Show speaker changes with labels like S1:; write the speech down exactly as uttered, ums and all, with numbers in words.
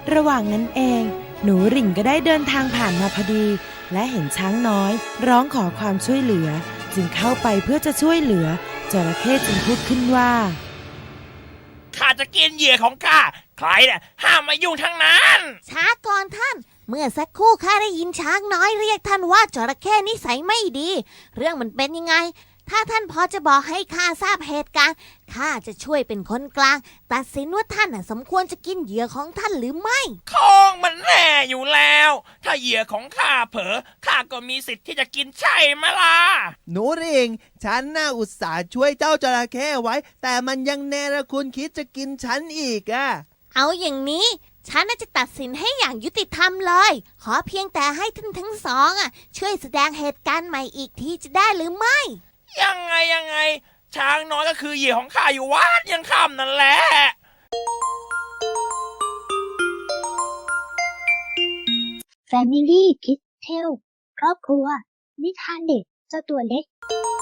S1: ระหว่างนั้นเองหนูหริ่งก็ได้เดินทางผ่านมาพอดีและเห็นช้างน้อยร้องขอความช่วยเหลือจึงเข้าไปเพื่อจะช่วยเหลือจระเข้จึงพูดขึ้นว่า
S2: ข้าจะกินเหยื่อของข้าใครเนี่ยห้ามมายุ่งทั้งนั้น
S3: ช้าก่อนท่านเมื่อสักครู่ข้าได้ยินช้างน้อยเรียกท่านว่าจระเข้นิสัยไม่ดีเรื่องมันเป็นยังไงถ้าท่านพอจะบอกให้ข้าทราบเหตุการณ์ข้าจะช่วยเป็นคนกลางตัดสินว่าท่านสมควรจะกินเหยื่อของท่านหรือไม่
S2: คงมันแน่อยู่แล้วถ้าเหยื่อของข้าเผลอข้าก็มีสิทธิ์ที่จะกินใช่ไหมล่ะ
S4: หนูหริ่งฉันน่าอุตส่าห์ช่วยเจ้าจระเข้ไว้แต่มันยังเนรคุณคิดจะกินฉันอีกอะ
S3: เอาอย่างนี้ฉันน่าจะตัดสินให้อย่างยุติธรรมเลยขอเพียงแต่ให้ท่านทั้งสองอ่ะช่วยแสดงเหตุการณ์ใหม่อีกทีจะได้หรือไม่
S2: ยังไงยังไงช้างน้อยก็คือเหยื่อของข้าอยู่วัดยังค่ำนั่นแหละ
S5: Family Kids Tale ครอบครัวนิทานเด็กเจ้าตัวเล็ก